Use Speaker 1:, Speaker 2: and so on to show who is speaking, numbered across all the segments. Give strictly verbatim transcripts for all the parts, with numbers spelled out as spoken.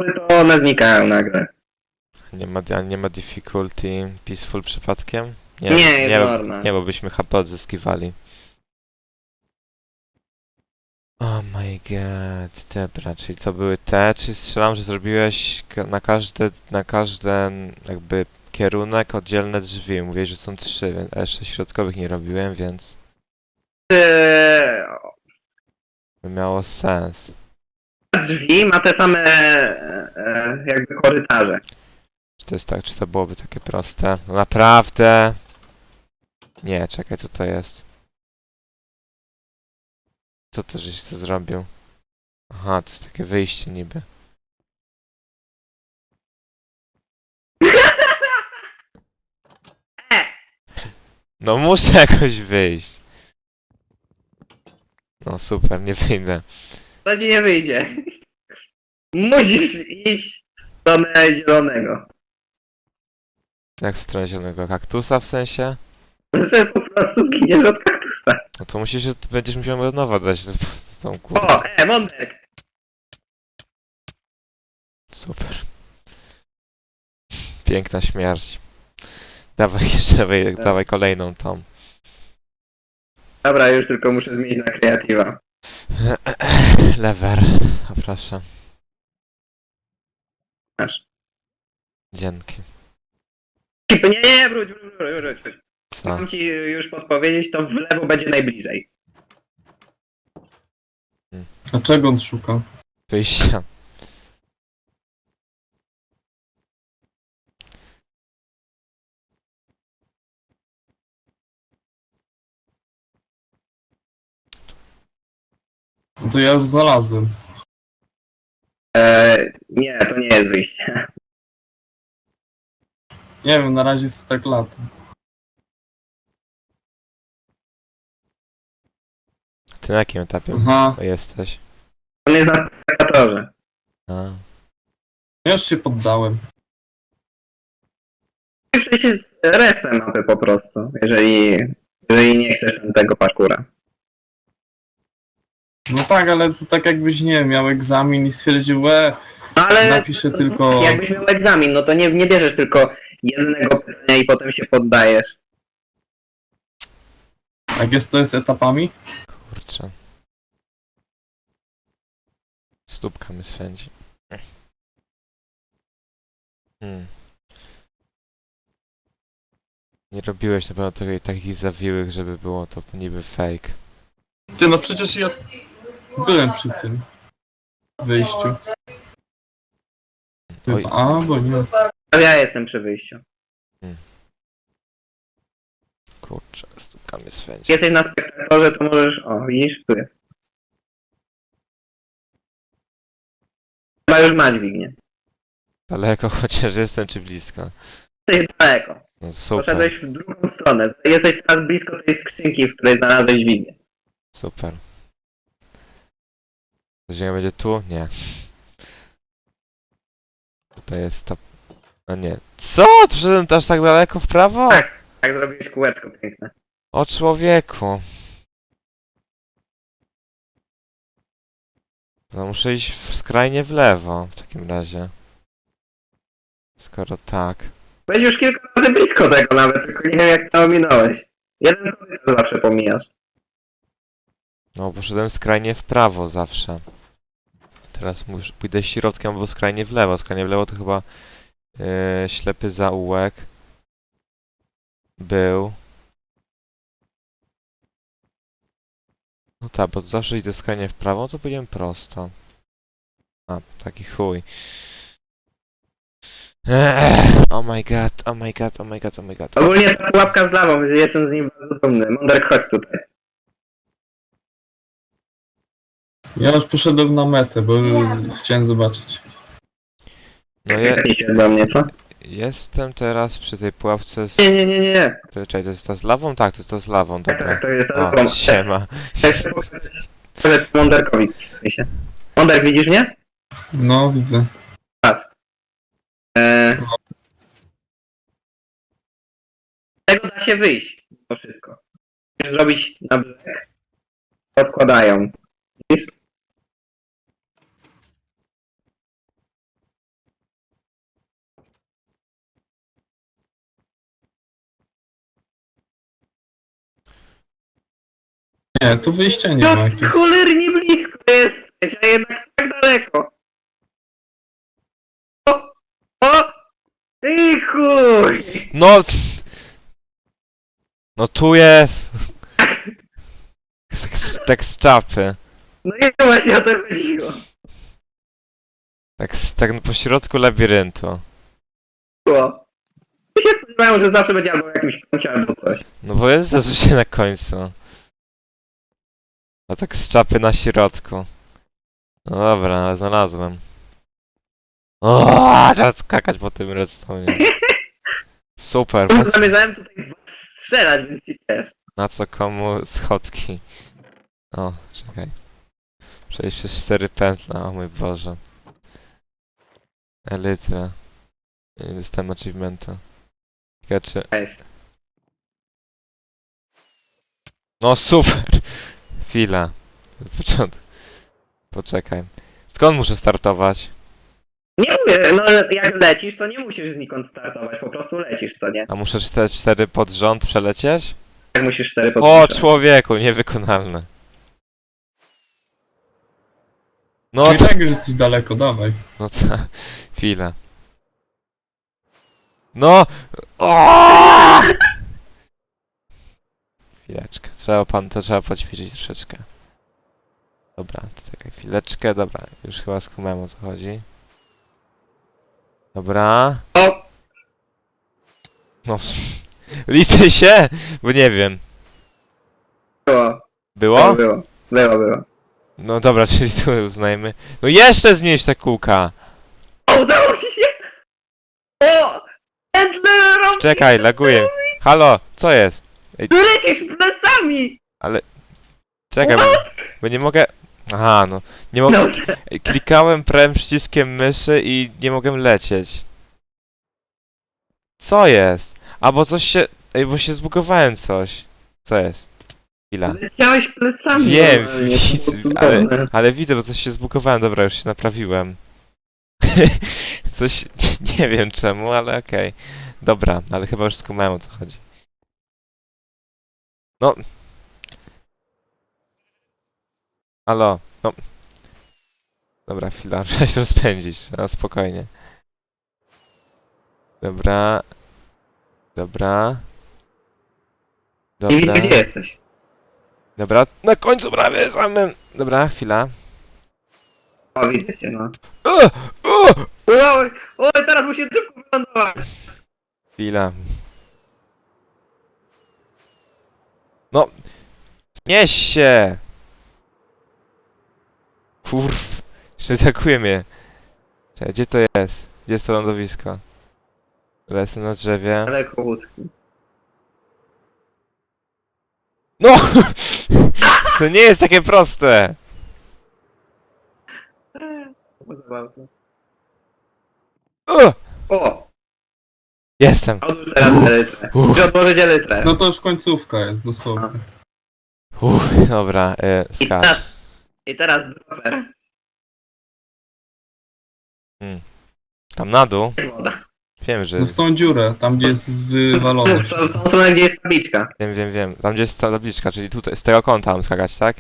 Speaker 1: stopy, to one znikają nagle.
Speaker 2: Nie ma, a nie ma difficulty peaceful przypadkiem?
Speaker 1: Nie, jest
Speaker 2: nie,
Speaker 1: normal.
Speaker 2: nie, bo byśmy H P odzyskiwali. Oh my god, dobra, czyli to były te, czy strzelam, że zrobiłeś ka- na każde, na każden jakby kierunek oddzielne drzwi. Mówiłeś, że są trzy, więc a jeszcze środkowych nie robiłem, więc
Speaker 1: Eee,
Speaker 2: by miało sens.
Speaker 1: drzwi ma te same e, jakby korytarze.
Speaker 2: Czy to jest tak, czy to byłoby takie proste? No naprawdę? Nie, czekaj, co to jest? Co to, żeś to zrobił? Aha, to jest takie wyjście niby.
Speaker 1: E,
Speaker 2: No muszę jakoś wyjść. No super, nie wyjdę.
Speaker 1: to ci nie wyjdzie. Musisz iść w stronę zielonego.
Speaker 2: Jak w stronę zielonego kaktusa w sensie?
Speaker 1: Że po prostu zginiesz od kaktusa.
Speaker 2: No to musisz, będziesz musiał od nowa dać tą kurę.
Speaker 1: O, e, Monderk.
Speaker 2: Super. Piękna śmierć. Dawaj jeszcze, dawaj,
Speaker 1: Tak.
Speaker 2: dawaj kolejną tą.
Speaker 1: Dobra, już tylko muszę zmienić na kreatywa.
Speaker 2: Lever. O proszę.
Speaker 1: Masz.
Speaker 2: Dzięki.
Speaker 1: Nie, nie, nie, wróć, wróć, wróć, wróć, wróć.
Speaker 2: Co?
Speaker 1: Mam ci już podpowiedzieć, to w lewo będzie najbliżej.
Speaker 3: A czego on szuka?
Speaker 2: Wyjścia.
Speaker 3: No to ja już znalazłem.
Speaker 1: Eee, nie, to nie jest wyjście.
Speaker 3: Nie wiem, na razie jest tak lato.
Speaker 2: Ty na jakim etapie
Speaker 3: Aha,
Speaker 2: jesteś?
Speaker 1: On jest na spektatorze.
Speaker 2: A.
Speaker 3: ja już się poddałem.
Speaker 1: Przecież resztę mapy po prostu, jeżeli, jeżeli nie chcesz tego parkura.
Speaker 3: No tak, ale to tak jakbyś, nie wiem, miał egzamin i stwierdził, e,
Speaker 1: Ale
Speaker 3: napiszę tylko...
Speaker 1: jakbyś miał egzamin, no to nie, nie bierzesz tylko jednego pytania i potem się poddajesz.
Speaker 3: Jak jest to jest etapami?
Speaker 2: Kurczę. Stópka mi swędzi. Hmm. Nie robiłeś na pewno takich, takich zawiłych, żeby było to niby fake.
Speaker 3: Ty, no przecież ja byłem przy tym wyjściu.
Speaker 2: Oj,
Speaker 3: Chyba, a, bo nie.
Speaker 1: A ja jestem przy wyjściu.
Speaker 2: kurczę, stópka mnie swędzi.
Speaker 1: Jak jesteś na spektatorze, to możesz... O, widzisz? Tu jest. Chyba już ma dźwignię.
Speaker 2: Daleko chociaż jestem, czy blisko?
Speaker 1: Jesteś daleko.
Speaker 2: No super,
Speaker 1: Poszedłeś w drugą stronę. Jesteś teraz blisko tej skrzynki, w której znalazłeś dźwignię.
Speaker 2: super. Ziemia będzie tu? Nie. Tutaj jest to... A nie. Co? Tu szedłem aż tak daleko w prawo?
Speaker 1: Tak. Tak zrobiłeś kółeczko piękne.
Speaker 2: O człowieku. No muszę iść w skrajnie w lewo w takim razie. Skoro tak.
Speaker 1: Byłeś już kilka razy blisko tego nawet, tylko nie wiem jak to ominąłeś. Jeden korytarz zawsze pomijasz.
Speaker 2: No poszedłem skrajnie w prawo zawsze. Teraz muszę, pójdę środkiem albo skrajnie w lewo. Skrajnie w lewo to chyba yy, ślepy zaułek. Był. No tak, bo zawsze idę skrajnie w prawo, to pójdziemy prosto. A, taki chuj. Eee, oh my god, oh my god, oh my god, oh my god.
Speaker 1: Ogólnie ta pułapka z lawą, więc jestem z nim bardzo dumny. Monderk, chodź tutaj.
Speaker 3: Ja już poszedłem na metę, bo chciałem zobaczyć.
Speaker 2: No je,
Speaker 1: Tepnij się do mnie, co?
Speaker 2: jestem teraz przy tej pułapce z...
Speaker 1: Nie, nie, nie, nie, nie.
Speaker 2: Czekaj, to jest ta z lawą? Tak, to jest ta z lawą,
Speaker 1: Tak,
Speaker 2: dobra.
Speaker 1: tak, to jest
Speaker 2: O,
Speaker 1: lawą.
Speaker 2: siema.
Speaker 1: Chcę pokazać Monderkowi. się. Monderk, widzisz mnie?
Speaker 3: No, widzę.
Speaker 1: Patrz. Eee... Z tego da się wyjść. To wszystko. Musisz zrobić na brzeg. Odkładają. Widzisz?
Speaker 3: Nie, tu wyjścia nie ma
Speaker 1: No
Speaker 3: jakiegoś.
Speaker 1: cholernie blisko jesteś, a jednak tak daleko. O! O! Ty chuj!
Speaker 2: No! No tu jest! Tak z- Tak z czapy.
Speaker 1: No i właśnie o to chodziło.
Speaker 2: Tak, z- tak po środku labiryntu.
Speaker 1: Było. Ja się spodziewałem, że zawsze będzie albo w jakimś kącie, albo coś.
Speaker 2: No bo jest zazwyczaj na końcu. A tak z czapy na środku. No dobra, ale znalazłem. O, trzeba skakać po tym redstone. Super, po,
Speaker 1: Zamierzałem tutaj strzelać, więc ci też.
Speaker 2: na co komu schodki. O, czekaj. Przejść przez cztery pętla, o mój Boże. Elytra. Nie dostałem achievementa. Ciekawe czy...
Speaker 1: Cześć.
Speaker 2: No super! Chwila. Od początku. Poczekaj. Skąd muszę startować?
Speaker 1: Nie mówię, no jak lecisz, to nie musisz znikąd startować, po prostu lecisz, co nie?
Speaker 2: A muszę cztery, cztery pod rząd przelecieć?
Speaker 1: Jak musisz cztery
Speaker 2: O,
Speaker 1: podpisać.
Speaker 2: człowieku, niewykonalne. No,
Speaker 3: No i tak już jesteś daleko, dawaj.
Speaker 2: no ta, chwila. No! O! Chwileczkę, trzeba pan, to trzeba poćwiczyć troszeczkę. Dobra, czekaj chwileczkę, dobra, już chyba skumałem o co chodzi. Dobra.
Speaker 1: O!
Speaker 2: No, liczę się, bo nie wiem.
Speaker 1: Było.
Speaker 2: Było?
Speaker 1: Było, było, było.
Speaker 2: No dobra, czyli tu uznajmy. No jeszcze zmniejsz te kółka!
Speaker 1: O, udało ci się! O! Endler!
Speaker 2: Czekaj, laguję. Halo, co jest?
Speaker 1: Tu lecisz plecami!
Speaker 2: Czekaj, bo, bo nie mogę... Aha, no. Nie mogę...
Speaker 1: Dobrze.
Speaker 2: Klikałem prawym przyciskiem myszy i nie mogłem lecieć. Co jest? A bo coś się... Ej, bo się zbugowałem coś. Co jest? Chwila.
Speaker 1: Leciałeś plecami.
Speaker 2: Wiem,
Speaker 1: normalnie, to było
Speaker 2: widzę, ale,
Speaker 1: cudowne.
Speaker 2: ale widzę, bo coś się zbugowałem. Dobra, już się naprawiłem. Coś... Nie wiem czemu, ale okej. Dobra, ale chyba już skumałem o co chodzi. No... Halo, no... Dobra, chwila, trzeba się rozpędzić, na spokojnie. Dobra... Dobra...
Speaker 1: Nie widzę,
Speaker 2: Dobra...
Speaker 1: gdzie jesteś.
Speaker 2: Dobra, na końcu prawie samym... Dobra, chwila.
Speaker 1: O, widzę cię, no.
Speaker 2: O! O!
Speaker 1: Oj, oj, teraz musi szybko wylądować.
Speaker 2: Chwila. No! Znieś się! Kurw. Jeszcze atakuje mnie. Czekaj, gdzie to jest? Gdzie jest to lądowisko? Dobra, jestem na drzewie.
Speaker 1: Daleko łódki.
Speaker 2: No! To nie jest takie proste!
Speaker 1: To było zabawne.
Speaker 2: O!
Speaker 1: O!
Speaker 2: Jestem!
Speaker 1: Odłóż teraz elytrę.
Speaker 2: Uff.
Speaker 1: Muszę odłożyć elytrę.
Speaker 3: No to już końcówka jest, dosłownie.
Speaker 2: Uff, dobra, e,
Speaker 1: I
Speaker 2: skacz.
Speaker 1: teraz, I teraz dropper.
Speaker 2: Tam na dół.
Speaker 1: Jest woda.
Speaker 2: Wiem, że...
Speaker 3: No w tą dziurę, tam gdzie jest wywalone
Speaker 1: W tą w
Speaker 3: wszystko.
Speaker 1: tą stronę, gdzie jest tabliczka.
Speaker 2: Wiem, wiem, wiem. Tam gdzie jest ta tabliczka, czyli tutaj, z tego kąta mam skakać, tak?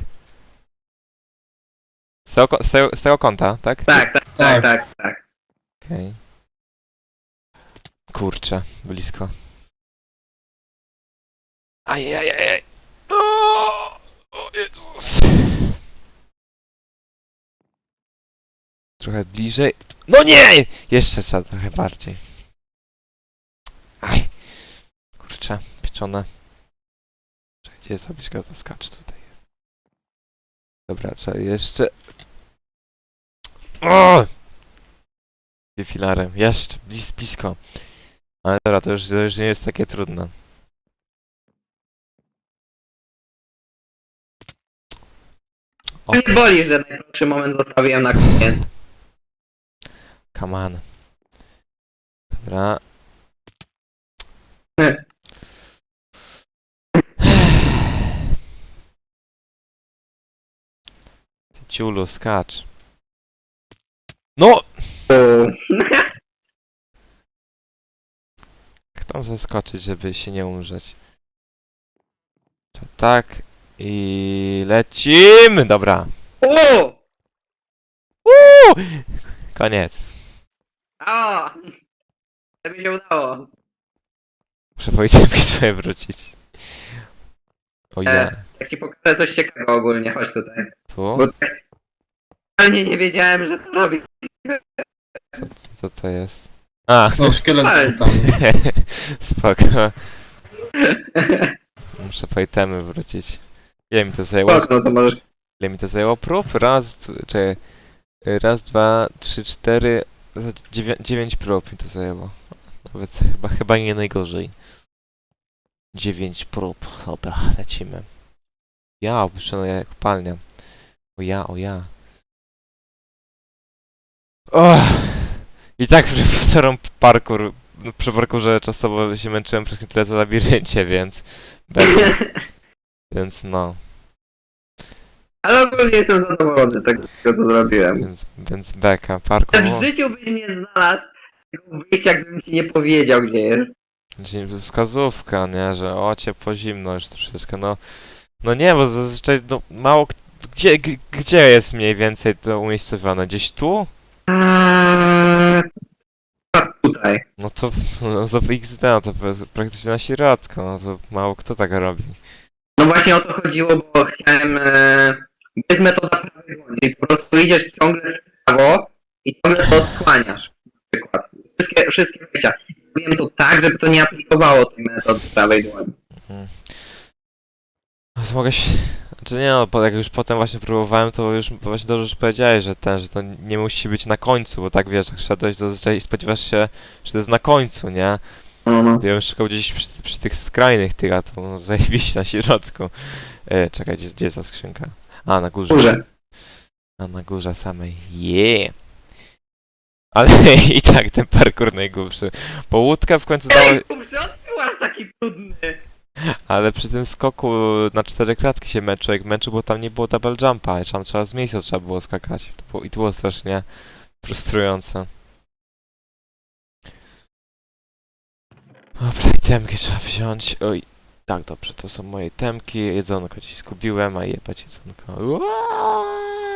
Speaker 2: Z tego, ko- z tego, z tego kąta, tak?
Speaker 1: Tak, tak, tak,
Speaker 3: Tak.
Speaker 1: tak, tak.
Speaker 2: Okej. Kurczę, blisko. Ajajajaj. O, o Jezus. Trochę bliżej. No nie! Jeszcze trzeba trochę bardziej. Aj. Kurczę, pieczone. Czekaj, gdzie jest tabliczka? Zaskacz tutaj. Dobra, trzeba jeszcze... O! Filarem. Jeszcze, blis, blisko. Ale dobra, to już, to już nie jest takie trudne. O,
Speaker 1: Nie boli, że najprostszy moment zostawiłem na koniec.
Speaker 2: come on. Dobra.
Speaker 1: Nie.
Speaker 2: Ciulu, skacz. No!
Speaker 1: O.
Speaker 2: Jak tam zaskoczyć, żeby się nie umrzeć? To tak I lecimy! Dobra.
Speaker 1: O!
Speaker 2: Uuu! Koniec.
Speaker 1: A! To mi się udało.
Speaker 2: Muszę Wojciech swoje wrócić. O ja.
Speaker 1: E, jak ci pokażę coś ciekawego ogólnie, chodź tutaj.
Speaker 2: Tu?
Speaker 1: Bo tak totalnie nie wiedziałem, że to robi.
Speaker 2: Co to jest? A!
Speaker 3: No, szkielet
Speaker 1: Ale-
Speaker 3: tam.
Speaker 2: Spoko. Muszę po itemy wrócić. Ile mi to zajęło?
Speaker 1: Spoko, no to możesz...
Speaker 2: Ile mi to zajęło prób? Raz, d- czekaj. Raz, dwa, trzy, cztery, za- dziewię dziewięć prób mi to zajęło. Nawet chyba, chyba nie najgorzej. Dziewięć prób. Dobra, lecimy. Ja, opuszczona jak kopalnia. O ja, o ja. O! I tak przy profesorom parkour, no, przy parkurze czasowo się męczyłem przez tyle za labiryncie, więc... Będzie. Więc no.
Speaker 1: Ale ogólnie jestem zadowolony z tego, co zrobiłem.
Speaker 2: Więc, więc beka. Parkour...
Speaker 1: W życiu byś nie znalazł tego wyjścia, gdybym ci nie powiedział, gdzie jest.
Speaker 2: Dzień- Wskazówka, nie? Że o, ciepło, zimno już troszeczkę, no... No nie, bo zazwyczaj, no, mało... k- Gdzie, g- gdzie jest mniej więcej to umiejscowione? Gdzieś tu?
Speaker 1: Eee, a tutaj.
Speaker 2: No to, no to X D, no to pra- praktycznie na środku, no to mało kto tak robi.
Speaker 1: No właśnie o to chodziło, bo chciałem... E, jest metoda prawej dłoni, czyli po prostu idziesz ciągle w prawo i ciągle to odsłaniasz. Na przykład. Wszystkie, wszystkie wejścia. Robiłem to tak, żeby to nie aplikowało tej metody prawej dłoni.
Speaker 2: No to mogę się... Znaczy nie no, bo jak już potem właśnie próbowałem, to już właśnie dobrze, że powiedziałeś, że ten, że to nie musi być na końcu, bo tak wiesz, jak szedłeś, to zazwyczaj spodziewasz się, że to jest na końcu, nie?
Speaker 1: No, no.
Speaker 2: To ja bym szukał gdzieś przy, przy tych skrajnych tych, a to no, zajebiście na środku. E, czekaj, gdzie, gdzie jest ta skrzynka? A, na górze.
Speaker 1: Górze.
Speaker 2: A, na górze samej. Yeah! Ale i tak ten parkour najgłupszy. Bo łódkę w końcu dało...
Speaker 1: Ej, kurczę, on był aż taki trudny.
Speaker 2: Ale przy tym skoku na cztery klatki się męczył, jak męczył, bo tam nie było double jumpa i tam trzeba z miejsca trzeba było skakać. To było, I to było strasznie frustrujące. Dobra, itemki trzeba wziąć. Oj, tak dobrze, to są moje itemki. Jedzonko dziś zgubiłem, a jebać jedzonko. Uaaaa!